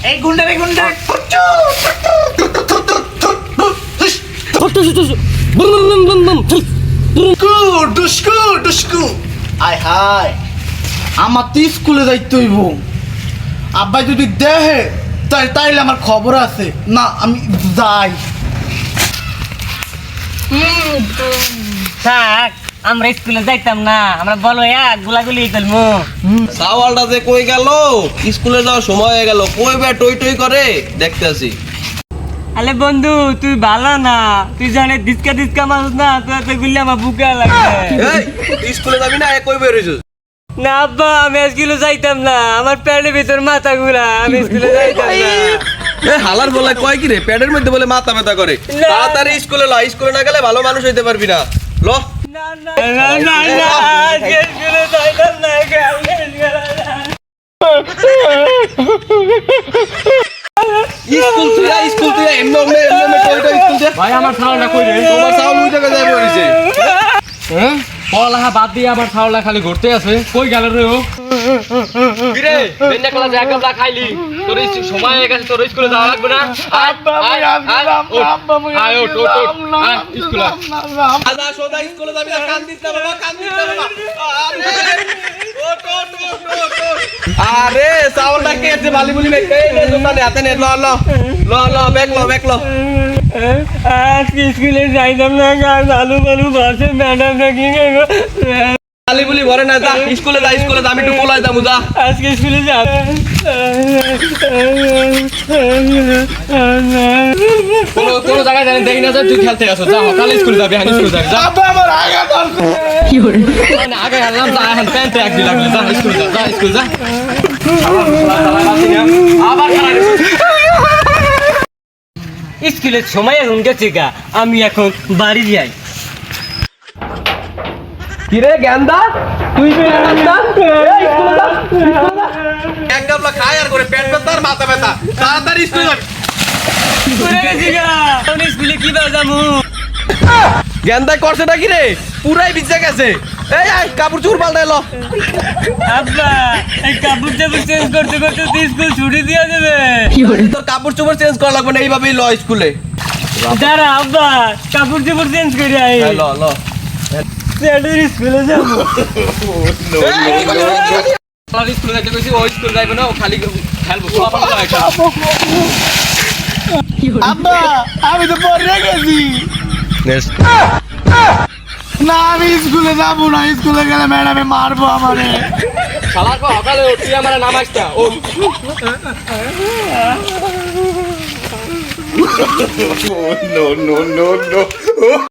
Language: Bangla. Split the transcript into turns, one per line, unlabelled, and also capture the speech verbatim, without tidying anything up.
এই গুন্ডা রে গুন্ডা ডুস্কু ডুস্কু আয় হায় আমার তো স্কুলে যাইতে হইব আব্বাই যদি দেহে তাই তাইলে আমার খবর আছে না আমি যাই
থাক আমরা স্কুলে যাইতাম না আমরা বলো এক গুলাগুলি করবো
সাওয়ালটা যে কই গেল স্কুলে যাওয়ার সময় হয়ে গেল কই বে টই টই করে দেখতেছি
আরে বন্ধু তুই ভালো না তুই জানে দিসকা দিসকা মানুষ না তুই এত গুলি আমার বুকে লাগে
এই স্কুলে যাবি না এ কই বের হইছিস
না আব্বা আমি স্কুলে যাইতাম না আমার প্যাডের ভিতর মাথা ঘুরা আমি স্কুলে যাইতাম না
এ হালার বলে কয় কি রে প্যাডের মধ্যে বলে মাথা ব্যথা করে তাড়াতাড়ি স্কুলে ল স্কুলে না গেলে ভালো মানুষ হইতে পারবি না ল
না না না না আজকে স্কুলে যাইতাম না
স্কুল তুই আ স্কুল তুই এমন এমন এমন টই টই স্কুল দে
ভাই আমার ছাওলটা কই রে
তোমার সাউন্ড উঠে গেছে বলিছে
হ্যাঁ পড়ালেখা বাদ দিয়ে আবার ছাওলটা খালি ঘুরতে আছে কই গেল রে ও কি রে বেন্না ক্লাস এক গামলা খাইলি তোর এই সময় হয়ে গেছে তোর স্কুলে যাওয়া লাগবে না
আব্বা আমি আসলাম আব্বা আমি
আয় ওঠ ওঠ ওঠ আয় স্কুলে
আজা সোদা স্কুলে যাবি না কান দিস না বাবা কান দিস না বাবা আরে ওঠ ওঠ ওঠ ওঠ আরে সাউন্ডটা কে আছে বালি বলি নে এই নে দোকানে হাতে নে ল ল ল ল ব্যাক ল ব্যাক ল
আজকে স্কুলে যাইতাম না কাজ আলু বালু বাসে ম্যাডাম নাকি
বালি বলি ভরে না যা স্কুলে যা স্কুলে যা আমি একটু কোলায় যাবো যা
আজকে স্কুলে যা
কোন কোন জায়গায় জানি দেখি না যে তুই খেলতে আসো যা কাল স্কুলে যাবি হানি স্কুলে যাবি যা
আব্বা আমার আগা ধরছে
কি করে
না আগে হারলাম যা এখন প্যান্টে এক দিন লাগলে যা স্কুলে যা যা স্কুলে যা আবার খেলা
স্কুলের সময় এখন গেছে গা আমি এখন বাড়ি যাই
কিরে গেন্দা তুই বের না এই স্কুলে যা এক গামলা খায় আর করে পেট ব্যথা আর মাথা ব্যথা তাড়াতাড়ি স্কুলে যাবি
করে গেছি গা আমি স্কুলে কি বাজামু
গেন্দা করছেটা কি রে পুরাই ভিজে গেছে এই আয় কাপড় চোপড় পাল্টাই ল
আব্বা এই কাপড় চাপড় চেঞ্জ করতে করতে তো স্কুল ছুটি দিয়ে দেবে
তোর কাপড় চোপড় চেঞ্জ করা লাগবে না এইভাবেই ল স্কুলে
দাঁড়া আব্বা কাপড় চাপড় চেঞ্জ করে আই
ল ল
স্যারের স্কুলে যাবো
আর স্কুলে যাইতে কইছি ওই স্কুলে যাইবে না ও খালি খেলবো সব আমার লাগে
আব্বা আমি তো পড়ে গেছি না আমি স্কুলে যাবো না স্কুলে গেলে ম্যাডামে মারবো আমারে
শালা কো সকালে উঠি আমার নামাজটা ও
no no no no